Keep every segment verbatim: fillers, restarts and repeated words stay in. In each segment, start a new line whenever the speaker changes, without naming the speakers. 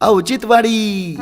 औचित्यवाडी.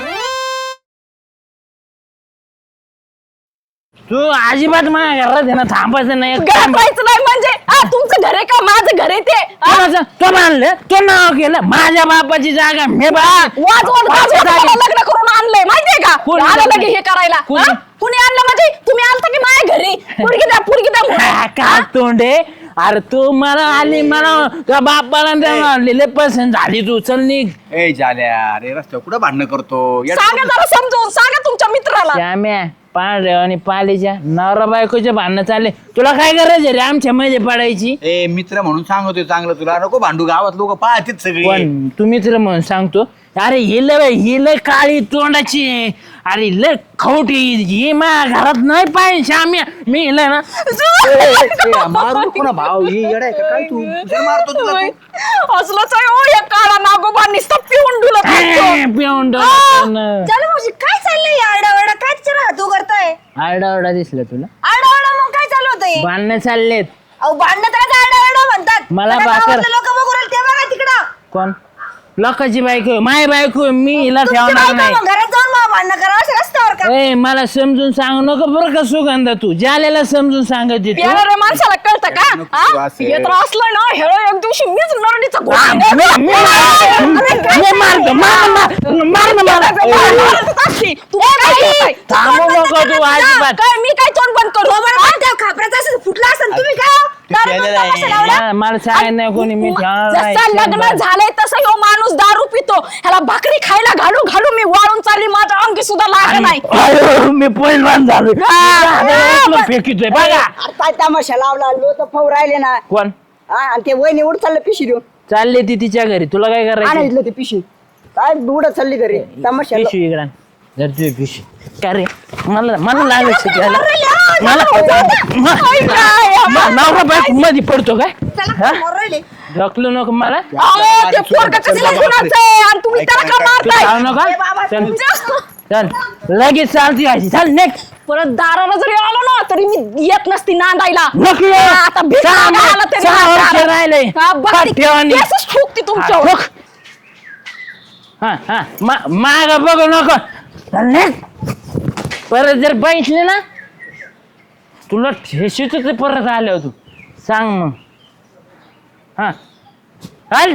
तू अजिबात माझ्या घरात आहे ना थांबायचं नाही.
घरात राहायचं नाही म्हणजे हा, तुमचं घर आहे का माझं घर आहे ते हा?
कोणाचं? तो मानलं तो नाव केलं माझ्या बापाची जागा मी बा
वाज वाज वाज वाज मला लग्न करून आणलंय माहितीये का
कोणी
आलं
आणलं?
लगे हे करायला
कोणी?
हा? कुणी आणलं म्हणजे तुम्ही आलता की माझ्या घरी पुरगी द्या पुरगी द्या म्हणून.
का तोंडे अरे तू मला आली मला त्या बापाला आणलेले पसंत झाली तू चल निघ.
ए झाल्या अरे रस्त्यावर कुठं भांडणं करतो या-
सांगा जरा समजून सांगा तुमच्या मित्राला
श्याम्या पांढरे आणि पालीच्या नवरा बायकोचे भांडणं चालले तुला काय गरज आहे रे आमच्या मध्ये पडायची.
ए मित्र म्हणून सांगतोय चांगलं तुला नको भांडू गावात लोक पाहतील सगळी
पण तुम्ही तर म्हणून सांगतो अरे हि लय हि लय काळी तोंडाची आहे. अरे लय खवटी ही माझ्या घरात नाही पाहिजे श्याम्या मी हिला ना
ए, मारू नको ना भाऊ ही येडा आहे का काय तू कुठे मारतो तुला तू?
असलंच आहे ओ या काळा नागोबा नुसतं पिऊन डुलत असतो.
पिऊन
चला मावशी काय चाललंय आरडाओरडा काय तिच्या तू करताय
आरडाओरडा दिसला तुला
आरडाओरडा मग काय चालू होतंय
भांडणं चाललेत.
अहो भांडणं तर आरडाओरडा म्हणतात
मला भाकर-
लोक बघू राहिले ते बघा तिकडं
कोण लोकांची बायको माय बायको मी हिला
तुमची
ठेवणार
बायको
नाही.
मग घरात जाऊन मग भांडणं करा असं रस्त्यावर का
ए मला समजून सांगू नको बरं का सुगंधा तू ज्याला समजून सांगत तू
येणाऱ्या माणसाला कळतं का
नको
हा?
असं.
हे तर असलं ना हे एक दिवशी मीच नरडीचा
आ,
घोडा
मी- मी मारतो, मी मारतो, मार मार मार ना मला. थांबू नको तू अजिबात.
काय मी काय तोंड बंद करू
खापराचं असं फुटलं असं तुम्ही काय हो?
ते
दारू
प्यायलेलं
पिऊन
आहे.
तमाशा लावला?
हा, मला सांगायचं नाही कोणी मी ठेवणार नाही.
जसं लग्न झालंय तसं ह्यो माणूस दारू पितो ह्याला भाकरी खायला घालू घालू मी वाळून चालली माझ्या अंगी सुद्धा लाग नाही
अरे, मी पहिलवान झालो फेकितोय बघा
अरे काय तमाशा लावला लोक फौ राहिले ना
कोण
हा, आणि ते वहिनी उड चाललं पिशी देऊन
चालले ती तिच्या घरी तुला काय करायचं
आणायचं ते पिशी काय उडत चालली घरी तमाशा
पिशवी इकडं आण. जर तुझी पिशवी काय रे मला मला लागायचं शिकायला मला मा- नवरा बायको मध्ये पडतो काय हा?
राहिले
ढकलू नको मला
अहो, ते पोरगं कसलं गुणाचं आणि तुम्ही त्याला का
तू
मारताय
जाऊ नका चल चल लगेच चालती व्हायची चल नेक्स्ट
परत दाराला जरी आलो ना तरी मी येत नसती नांदायला
नको
हा, आता भीक
सहा
मागायला
मा-
तरी
सहा
नाही
वर्ष
दारात.
राहिले.
हा, बघ ती
ठेवानी.
केसच ठोकते
हा,
तुमच्यावर
ठोक. हा हा मा- माग बघू नको चल नेक्स्ट परत जर बघितले ना तुला ठेशीच ते परत आल्यावर तू सांग मग हा चाल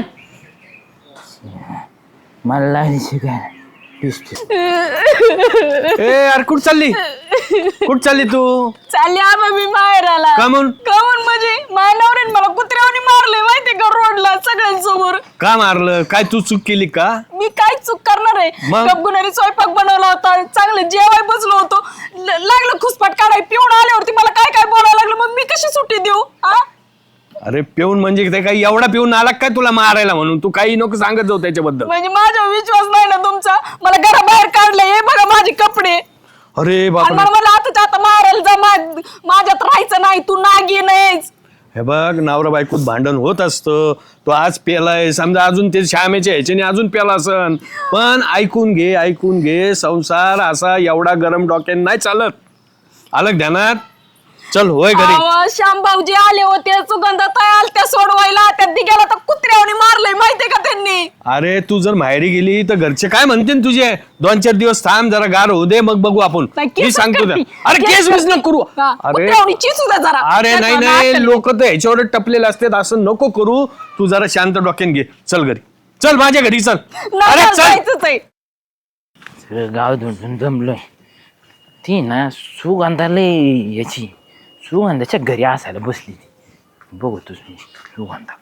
मला लागली शिकायला पिस्तूल.
ए यार कुठ चालली कुठ चालली तू
चालली आबा मी माहेराला
का म्हणून?
का म्हणून म्हणजे माझ्या नवऱ्याने मला कुत्र्यावानी मारले माहितीये का रोडला सगळ्यांसमोर
का मारलं काय तू चूक केली का
मी काय चूक करणार आहे
मग?
गपगुणारी स्वयंपाक बनवला होता चांगलं जेवाय बसलो होतो ल- लागलं खुसपाट काढाय पिऊन आल्यावरती मला काय काय बोलायला लागलं मग मी कशी सुट्टी देऊ हा
अरे पिऊन म्हणजे ते काही एवढा पिऊन आला काय तुला मारायला म्हणून तू काही नको सांगत जाऊ त्याच्याबद्दल
म्हणजे माझा विश्वास नाही ना तुमचा मला घराबाहेर काढले हे बघा माझे कपडे
अरे
आणि
बापरे
मला मला आता आता मारायला जा मा- माझ्यात राहायचं नाही तू नागी नाहीच
हे बघ नवरा बायकोत भांडण होत असतं तो आज पेलाय समजा अजून ते श्यामेच्या ह्याच्याने अजून पेला असन पण ऐकून घे ऐकून घे संसार असा एवढा गरम डोक्याने नाही चालत आलं ध्यानात चल होय घरी
अहो, श्याम भाऊजी आले होते सुगंधाताई आलत्या सोडवायला त्या दिग्याला तर कुत्र्यावणी मारलंय माहितीये का त्यांनी
अरे तू जर माहेरी गेली तर घरचे काय म्हणतील तुझे दोन चार दिवस थांब जरा गार होऊ दे मग बघू आपण
नाही,
मी
केसच
सांगतो त्या.
करती.
अरे केस
केस
मिस नको करू
हा,
अरे
कुत्र्यावणी चिसू द्या जरा
अरे नाही
त्याचं
नाही
नाक-
लोक तर ह्याच्यावर टपलेले असतात असं नको करू तू जरा शांत डोक्यान घे चल घरी चल माझ्या घरी चल
नाही,
अरे
नाही,
चल
जायचंच आहे.
सगळं गाव धुंडून जमलोय ती ना सुगंधाला याची सुगंधाच्या घरी असायला बसली ती बघतोच मी सुगंधा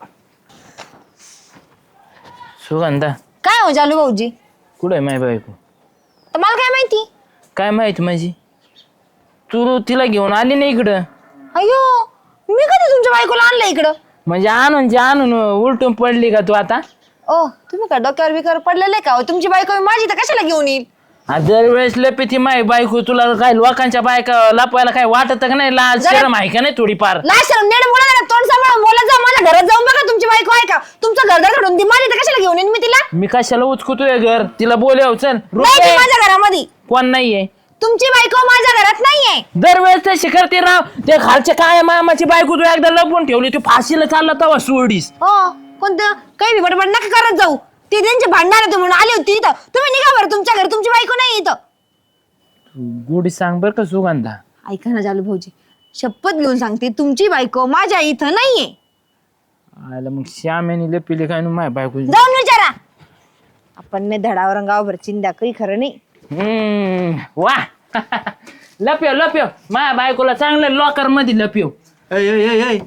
सुगंधा
काय हो जालू भाऊजी
कुठे आहे माय बायको
तर मला काय माहिती
काय माहित माझी तू तिला घेऊन आली नाही इकडं
अयो मी कधी तुमच्या बायकोला आणलं इकडं
म्हणजे आणून जे आणून उलटून पडली का तू आता
ओ तुम्ही का डोक्यावर बिकर पडलेले का हो? तुमची बायको माझी तर कशाला घेऊन येईल
दरवेळेस लपी ती माय बायको तुला काय लोकांच्या बायका लपवायला काय वाटत का नाही लाज
जरा-
शरम आहे का नाही थोडीफार
नाही सर नेट बोला ना तोंड सांभाळून बोला जा माझ्या घरात जाऊन बघा तुमची बायको आहे का तुमचं घर घडून ती माझी तर कशाला घेऊन येईन मी तिला
मी कशाला उचकुतोय घर तिला बोलव चल
नाही ती
रुपये
माझ्या घरामध्ये
कोण नाहीये
तुमची बायको माझ्या घरात नाहीये
दरवेळेस ते शिखरते राव ते खालच्या काळ्या मामाची बायको तू एकदा लपवून ठेवली तू फाशीला चालला तेव्हा सोडीस
हो कोणतं काही बी बडबड नका करत जाऊ ते त्यांचे भांडणार होते म्हणून आली होती इथं. तुम्ही निघा बरं तुमच्या घरी, तुमची बायको नाही इथं.
तू गोडी सांग बरं का सुगंधा.
ऐका ना जालू भाऊजी, शपथ घेऊन सांगते तुमची बायको माझ्या इथं नाहीये.
आयला मग श्यामेने लपिले काय ना माझ्या बायको.
जाऊन विचारा. आपण नाही धडावर गावभर चिंध्या, काही खरं नाही.
हम्म वा लपियो लपियो माझ्या बायकोला चांगलं लॉकर मध्ये लपियो.
ऐ, ऐ, ऐ, ऐ.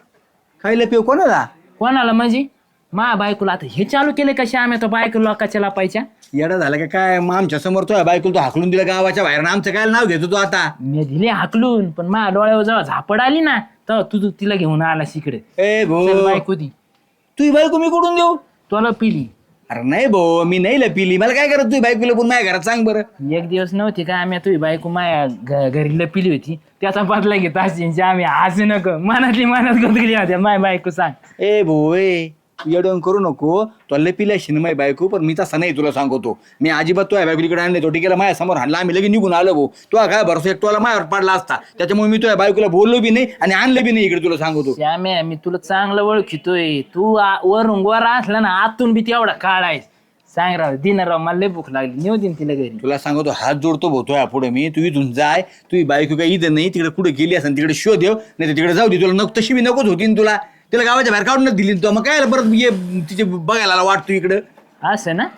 काय लपिव कोणाला?
कोणाला म्हणजे माझ्या बायकोला. आता हे चालू केले कशा आम्ही तो बायको लोकांच्या लापायच्या.
येडा झाला का काय? मग आमच्या समोर तो बायकोला तो हाकलून दिला गावाच्या बाहेर, आमचं काय नाव घेतो तू आता?
मी दिले हाकलून, पण माझ्या डोळ्यावर जेव्हा झापड आली ना तेव्हा तू तू तिला घेऊन आला इकडे.
ए भो,
चल बायको दी.
तुझी बायको मी कुठून देऊ?
तुला पिली
अरे नाही भो, मी नाही लपिली. मला काय करत तुझी बायको लपून माझ्या घरात? सांग बरं.
एक दिवस नव्हती का आम्ही तुझी बायको माझ्या घ- घरी लपिली होती, त्याचा बदला घेत असेल आम्ही. हसू नको, मनातली मनात गुंतली होत्या माझ्या बायको. सांग
ए भो, ए येडवण करू नको. तो लपिला शिन माझी बायको, पण मी तसा नाही तुला सांगतो. मी अजिबात तो बायको इकडे आणले, तो टिकेला माझ्या समोर आणला, आम्ही लगेच निघून आलो भाऊ. तो काय भरोसा एक टोला माझ्यावर पडला असता, त्याच्यामुळे मी तुझ्या बायकोला बोललो बी नाही आणि आणलं बी नाही इकडे, तुला सांगतो.
श्याम्या, मी तुला चांगलं ओळखितोय. तू आ- वरून गोरा असला ना आतून बी तेवढा काढायस. सांग राव, दिना राव, मला लय भूक लागली, नेऊ दिन तिला घरी.
तुला सांगतो, हात जोडतो भोतोय पुढे मी. तू इथून जाय, तुझी बायको काय इथं नाही, तिकडे कुठे गेली असेल तिकडे शोध देव, नाही तर तिकडे जाऊ दे. तुला नको तशी मी नकोच होती ना तुला. तिला गावाच्या बाहेर काढूनच दिली तू, मग काय परत ये तिचे बघायला वाटतो इकडं.
असं ना,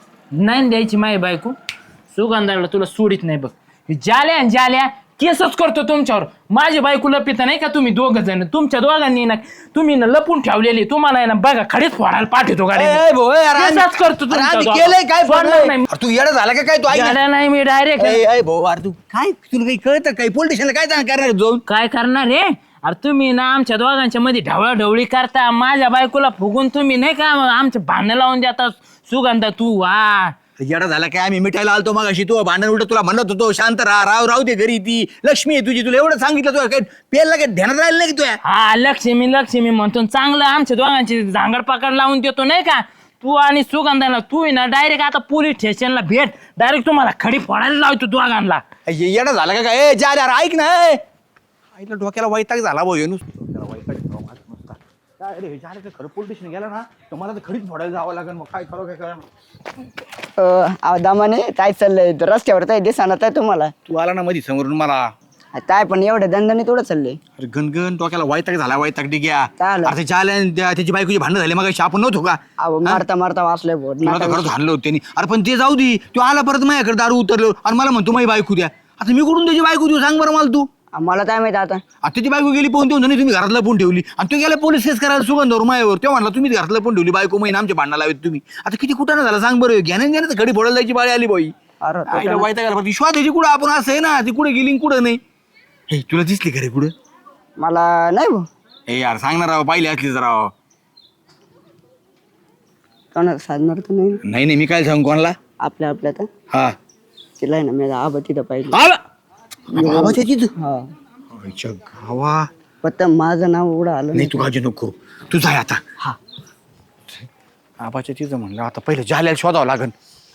नाही द्यायची माई बायको. सुगंधाला तुला सोडित नाही बघ. जाल्या न जाल्या केसच करतो तुमच्यावर. माझी बायको लपित नाही का तुम्ही दोघ जण, तुमच्या दोघांनी ना तुम्ही ना लपून ठेवलेली. तुम्हाला ना बघा खडीच फोडायला पाठवतो गाडी.
ए, भो, ए, अरे आम्ही-
केसच करतो
अरे आम्ही
तुमच्या
केलंय काय पण?
सोडणार नाही.
अरे तू येडा झाला का काय? तू ऐक ना.
जाल्या नाही मी डायरेक्ट.
ए, ए, भो, अरे तू काय, तुला काही कळतं काय? पोलीस स्टेशनला काय जाणार करणार जाऊन?
काय करणार रे? अरे तुम्ही ना आमच्या दोघांच्या मध्ये ढवळाढवळी करता. माझ्या बायकोला फुगून तुम्ही नाही का आमचे भांडण लावून देता. सुगंधा तू वा
येडा झाला काय? आम्ही मिठायला आलतो मग अशी, तू भांडण उलट तुला म्हणत होतो शांत राहा, राव राहू दे घरी, ती लक्ष्मी आहे तुझी. तुला एवढं सांगितलं, तुला काय पेरला काय ध्यानात राहिलं नाही की तुया?
हा लक्ष्मी लक्ष्मी म्हणतो. चांगलं आमच्या दोघांची झांगड पाकड लावून देतो नाही का तू आणि सुगंधाला. तू आहे ना डायरेक्ट आता पोलीस स्टेशनला भेट, डायरेक्ट तुम्हाला खडी फोडायला लावतो दोघांना.
ये- येडा झाला का काय? ए, जा रे, अरे ऐक ना. ए. आईला डोक्याला वैताग झाला भाऊ, येणूस डोक्याला वैताग झाला माझा नुसता. काय रे, जा रे, ते खरं पोलीस स्टेशन गेला ना तर मला तर खडीच फोडायला जावं लागेल. मग काय करू, काय करा?
दामाने काय चाललंय रस्त्यावर काय दिसणार आहे तुम्हाला?
तू आला ना मधी समोरून मला.
काय पण एवढं दंडाने थोडं चाललंय.
अरे गणगण डोक्याला वैताग झाला, वैताग डिग्या.
काय आलं?
अरे चाल त्याची बायकोची भांडण झाले, मग आपण नव्हतो का?
अहो मारता मारता वाचलंय बोट.
तुला तर खरंच हाणलं होतं त्यांनी. अरे पण ते जाऊ दे, तू आला परत माझ्याकडे दारू उतरलो आणि मला म्हणतो माझी बायको द्या. आता मी कुठून त्याची बायको देऊ सांग बरं मला तू?
मला काय माहिती आता.
आता त्याची बायको गेली पोहून देऊन तुम्ही घरातला पण ठेवली आणि तू गेला पोलीस केस करायला सुगंधावर माझ्यावर. तेव्हा म्हणला तुम्ही घरातला पण ठेवली बायको, महिना आमच्या भांडणा लावत तुम्ही. आता किती कुठं झाला सांग बरं? घ्याने घ्याने तर घडी फोडायला जायची बाळी आली बाई.
अरे तो
आईला वैताग आला. विश्वास त्याची कुठं आपण असं आहे ना, ती कुठे गेली कुठं नाही. हे तुला दिसली का रे कुठं?
मला नाही भाऊ.
हे यार सांगणार राव, पाहिली असली जरा.
कोणाला साधणार तर नाही.
नाही नाही, मी काय सांगू कोणाला?
आपल्या आपल्या तर
हा
तिला आहे ना मी आबा तिथं पाहिजे.
बाबाच्या तिथं
हा
आईच्या गावा.
फक्त माझं नाव एवढं आलं
नाही तू काळजी नको, तू जाय आता. हा आबाच्या तिथं म्हणलं आता पहिलं जाल्याला शोधावं लागन.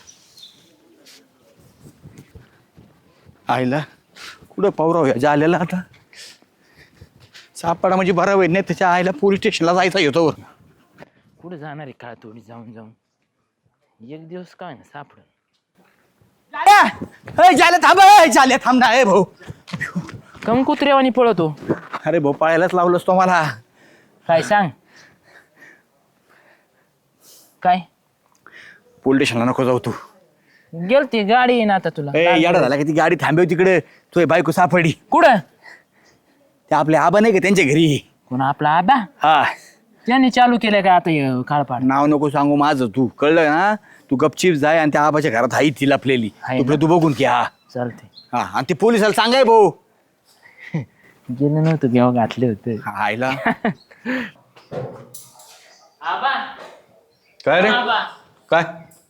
आईला कुठं पावराव या जाल्याला आता? सापडा म्हणजे बरं होईल, नाही त्याच्या आईला पोलीस स्टेशनला जायचा येतो.
कुठे जाणार आहे काळ थोडी जाऊन जाऊन. एक दिवस काय ना सापड.
जाल्या थांब, ए, जाल्या थांब ना. ए भाऊ,
कम कुत्रेवानी पळतो.
अरे भाऊ पाळायलाच लावलंस तो मला.
काय सांग काय?
पोलीस स्टेशनला नको जाऊ तू.
गेलती गाडी येईन आता तुला.
ए याडा झाला की ती गाडी थांबेव तिकडे. तुझी बायको सापडली.
कुठं?
ते आपले आबा नाही का त्यांच्या घरी?
कोण आपला आबा?
हा,
त्यांनी चालू केलं का आता काळपाड?
नाव नको सांगू माझं, तू कळलं ना? तू गपचीप जाय आणि त्या आबाच्या घरात आई ती लपलेली
आहे
तुकडे
ना?
तू बघून की. हा
चालते.
हा, आणि ते पोलिसाला सांगाय भाऊ.
गेलं नव्हतं घेवा घातले होते.
हा, आईला
आबा
काय रे?
आबा
काय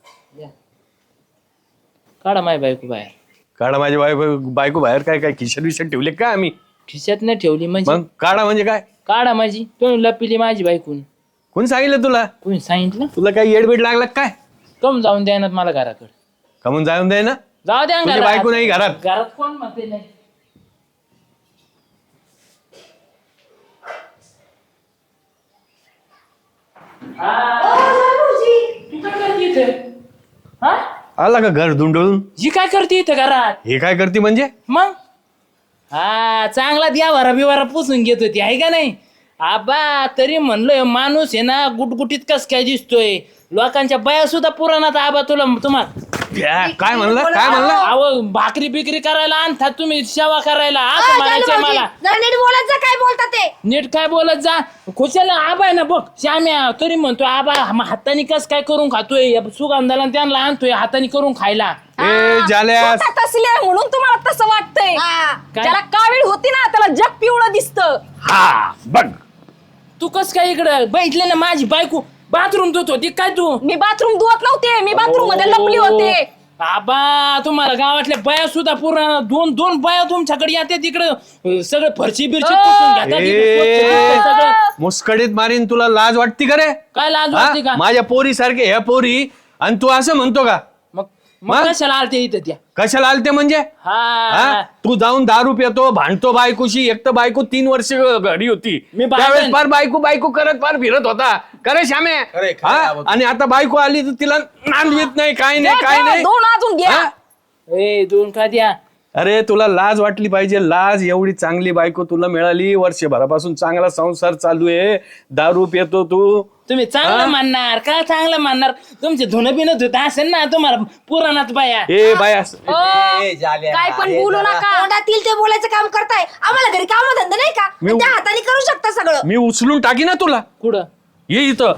काढा माय बायको बाहेर.
काढा माझी बायको बायको बाहेर? काय काय खिशात विशात ठेवले काय आम्ही?
खिशात नाही ठेवली म्हणजे?
मग काढा म्हणजे काय?
काढा माझी. तुम्ही लपिली माझी बायकून.
कोण सांगितलं तुला?
कोणी सांगितलं?
तुला काय येडबीड लागला काय?
कम जाऊन द्या ना मला घराकडे.
कमून जाऊन दे ना.
जाऊ द्या ना
तुझी
घरात.
बायको नाही घरात.
घरात कोण म्हणते नाही? हा. तू काय
आला का घर धुंडळून?
ही काय करते इथं घरात
हे काय करते म्हणजे?
मग हा चांगला द्यावारा बिवारा पुसून घेत होती आहे का नाही आबा. तरी म्हणलं माणूस आहे ना गुटगुटीत कस काय दिसतोय. लोकांच्या बाया सुद्धा पुराणात आबा तुला तुम्हाला
क्या- काय म्हणलं काय म्हणलं?
अहो भाकरी बिकरी करायला आणतात तुम्ही सेवा करायला असं म्हणायचंय मला.
जरा नीट बोलत जा, काय बोलता ते.
नीट काय बोलत जा. खुशाला आबा आहे ना बघ श्याम्या तरी म्हणतोय आबा म- हाताने कस काय करून खातोय या सुगंधाला त्यांना आणतोय हाताने करून खायला.
ए जाल्या
स्वतः तसली आहे म्हणून तुम्हाला तसं वाटतंय.
हा.
काय?
ज्याला कावीळ होती ना त्याला जग पिवळं दिसतं.
हा बघ
तू कस काय इकडं बैठले ना माझी बायको बाथरूम धुत होती काय तू.
मी बाथरूम धुवत नव्हते, मी बाथरूम मध्ये लपली होते.
आबा तुम्हाला गावातल्या बाया सुद्धा पूर्ण दोन दोन बाया तुमच्याकडे येते तिकडं सगळं फरशी बिरशी पुसून घेतात इकडं स्वच्छ दिसतंय सगळं.
मुस्कडीत मारीन. तुला लाज वाटती का रे?
काय लाज
हा?
वाटते का
माझ्या पोरी सारखे ह्या पोरी आणि तू असं म्हणतो का?
मग मग
मग?
कशाला आलते इथं त्या.
कशाला आलते म्हणजे?
हा
हा? तू जाऊन दारू पितो भांडतो बायकोशी. एक तर बायको तीन वर्ष घरी होती
मी भांडण-
त्यावेळेस फार बायको बायको करत फार फिरत होता. करे श्यामे
खरंय, खरंय
हा?
आवाज.
आणि आता बायको आली तर तिला नांदवीत नाही काय नाही
द्या,
काय
द्या,
नाही.
दोन अजून घ्या.
हा?
ए दोन का द्या.
अरे तुला लाज वाटली पाहिजे. लाज. एवढी चांगली बायको तुला मिळाली. वर्षभरापासून चांगला संसार चालू आहे. दारू पितो तू.
तुम्ही चांगलं मानणार का चांगलं मानणार तुमचे धुणं बिनत होत असेल ना तुम्हाला पुराणात बाया.
ए बाया
ओ,
ए, झाल्या.
काय पण
हे
बोलू
जरा-
नका.
तोंडातील ते बोलायचं काम करताय. आम्हाला घरी काम धंदा नाही का?
मी-
त्या हाताने करू शकता सगळं.
मी उचलून टाकी ना तुला.
कुठं
ये इथं.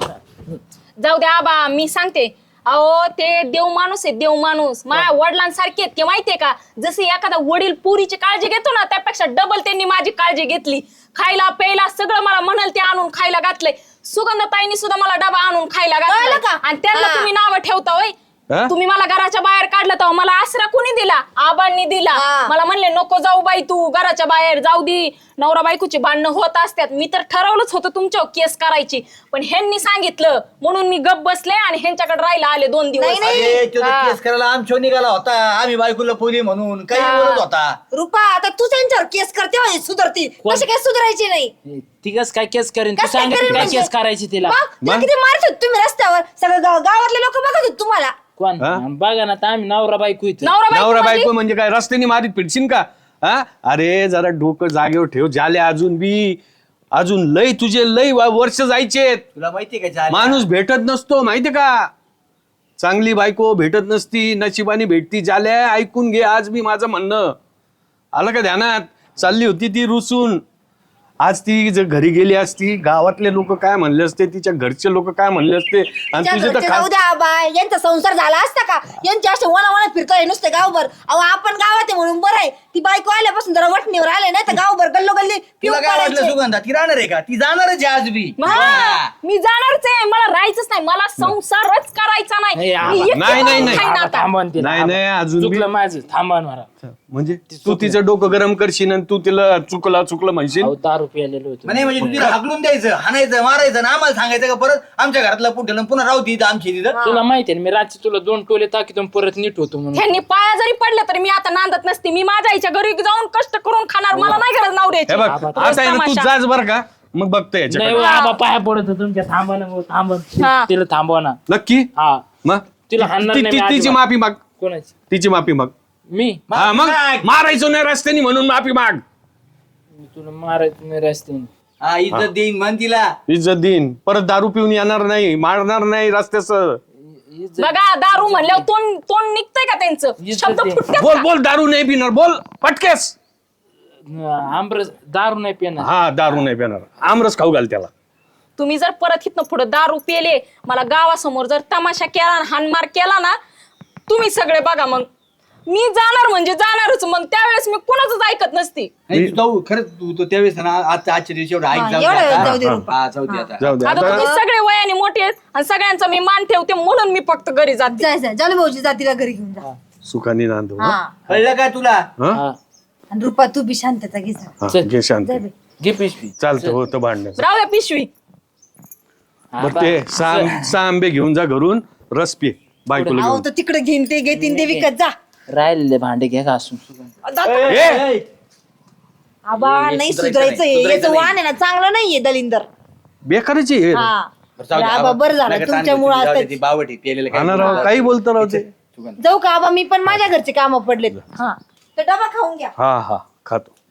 जाऊ द्या आबा मी सांगते. अहो ते देव माणूस आहे देव माणूस. माझ्या वडिलांसारखे आहेत ते माहितीये का. जसे एखादा वडील पुरीची काळजी घेतो ना त्यापेक्षा डबल त्यांनी माझी काळजी घेतली. खायला प्यायला सगळं मला म्हणाल ते आणून खायला घातलंय. सुगंधताईंनी सुद्धा मला डबा आणून खायला
कळलं
घातला
का?
आणि त्यांना
हा.
तुम्ही नावं ठेवता होय.
हा?
तुम्ही मला घराच्या बाहेर काढलं तेव्हा मला आसरा कोणी दिला? आबांनी दिला.
हा.
मला म्हणले नको जाऊ बाई तू घराच्या बाहेर जाऊ दे. नवरा बायकोची भांडणं होत असतात. मी तर ठरवलंच होतं तुमच्यावर केस करायची पण ह्यांनी सांगितलं म्हणून मी गप बसले आणि ह्यांच्याकडे राहायला आले दोन दिवस.
नाही, नाही.
अरे, तो
हा.
केस करायला आमच्या निघाला होता. आम्ही बायकोला पोली म्हणून काही
हा.
बोलत होता.
रुपा आता तू त्यांच्यावर केस करते म्हणजे सुधरती. कशी काय सुधारायची नाही?
ती कस काय केस करेन तू
कसं काय
सांग
करेन
काय
म्हणजे?
केस करायची तिला.
मग तुला किती मारत होते तुम्ही रस्त्यावर. सगळं गाव- गावातले लोक बघत होते तुम्हाला.
कोण
हा?
बघा ना आता आम्ही नवरा बायको इथं.
नवरा बायको
नवरा
म्हणजे?
बायको म्हणजे काय रस्त्याने मारीत फिरशील का? हा? अरे जरा डोकं जागेवर ठेव. झाले अजून बी अजून लय तुझे लय व- वर्ष जायचे.
तुला माहितीये का झाल्या?
माणूस भेटत नसतो माहितीये का. चांगली बायको भेटत नसती नशिबाने भेटती. झाल्या ऐकून घे आज मी माझं म्हणणं आलं का ध्यानात. चालली होती ती रुसून. आज ती जर घरी गेली असती गावातले लोक काय म्हणले असते तिच्या घरचे लोक काय म्हणले असते आणि
त्या
तुझे तर
घरचे
खास-
जाऊ द्या बाय. यांचा संसार झाला असता का? यांचे असे वना वना फिरतोय नुसते गावभर. अहो आपण गावात आहे म्हणून बरं आहे. ती बायको आल्यापासून जरा वटणीवर आले नाही तर गावभर गल्लो गल्ली
तुला काय वाटलं सुगंधा? ती राहणार आहे का? ती जाणारच आहे आज बी.
हा, मी जाणारच आहे. मला राहायचंच नाही. मला संसारच करायचा नाही.
नाही, आबा.
मी एकटी
नाही, नाही,
राहून
नाही.
खाईन
आबा,
आता.
थांबा ना तिला,
नाही,
आबा.
नाही, अजून बी-
चुकलं माझं थांबा ना मला.
म्हणजे तू तिचं डोकं गरम करशील आणि तू तिला चुकला चुकलं म्हणशील.
अहो, दारू प्यायलेलो होतो.
नाही म्हणजे तिला हाकलून द्यायचं, हाणायचं, मारायचं आणि आम्हाला सांगायचं का परत आमच्या घरातला पुढे पुन्हा राहू तिथं आमची तिथं.
तुला माहिती आहे ना, मी रात्री तुला दोन टोले टाकीतून परत नीट होतो म्हणून.
ह्यांनी पाया जरी पडल्या तरी मी आता नांदत नसते. मी माझ्या आईच्या घरी जाऊन कष्ट करून खाणार. मला नाही गरज
हे
नवऱ्याची.
बघ
आबा,
आता आहे ना तू
तमाशा.
जाच बर का मग बघतो
नाही
याच्याकडे.
हो, आबा पाया पडत होतो तुमच्या. थांबा ना भाऊ, थांबा.
हा.
तिला थांबवा ना.
नक्की
हा
मग
तिला हाणणार
ती-
नाही
ती-
मी
तिची
अजिबात.
माफी माग.
कोणाची?
तिची माफी माग.
मी
हा मग
माग.
मारायचो नाही रस्त्याने म्हणून माफी माग.
मी तुला मारायचं नाही रस्त्याने.
हा इज्जत देईन म्हण तिला.
इज्जत देईन. परत दारू पिऊन येणार नाही मारणार नाही रस्त्याच.
बघा दारू म्हणल्यावर तोंड तोंड निघतंय का त्यांचं?
इज्जत
शब्द
दे.
फुटतात
बोल
का?
बोल दारू नाही पिणार बोल पटकेस.
आमरस दारू नाही पिणार.
हा दारू नाही पिणार. आमरस खाऊ घाल त्याला.
तुम्ही जर परत इथनं पुढे दारू पेले मला गावासमोर जर तमाशा केला आणि हाणमार केला ना तुम्ही सगळे बघा मग. मी जाणार म्हणजे जाणारच. मग त्यावेळेस मी कोणाचंच ऐकत नसती.
नाही, तू जाऊ खरंच तू तो त्यावेळेस ना आज आजच्या दिवशी एवढं ऐक
हा,
जाऊ दे
एवढं
आता.
जाऊ दे रुपा.
हा, जाऊ दे आता.
जाऊ दे
आता
आता.
तुम्ही सगळे वयाने मोठे आहेत आणि सगळ्यांचा मी मान ठेवते म्हणून मी फक्त घरी जाते.
जाय जाय जालू भाऊजी जातीला घरी घेऊन जा.
सुखाने नांदू.
हा.
कळलं का तुला?
हा?
हा.
आणि रुपा तू बी शांतता घे जा.
हा,
चल.
घे शांत.
जाय बाई.
घे पिशवी.
चालतं होतं भांडण.
राहू द्या पिशवी.
बरं ते सहा सहा आंबे घेऊन जा घरून रस पी बायकोला
अहो
घेऊन.
तर तिकडे घेईन ते घेतीन ते विकत जा.
राहिलेले भांडे घ्या घासून.
ए,
आबा नाही सुधारायचं हे.
सुधारायचं
याचं
नाही.
वाण आहे ना चांगलं नाहीये दलिंदर.
बेकाराची आहे.
हा
बरं, जाऊ दे.
आबा बरं झालं
नका
तुमच्यामुळे
ताण घेऊ, जाऊ दे,
आता
ती बावट आहे, पेलेलं
हा ना
काय
राव काही बोलतो राव ते.
जाऊ का आबा मी पण माझ्या घरचे कामं पडलेत
हा
तर डबा खाऊन घ्या
हा हा खातो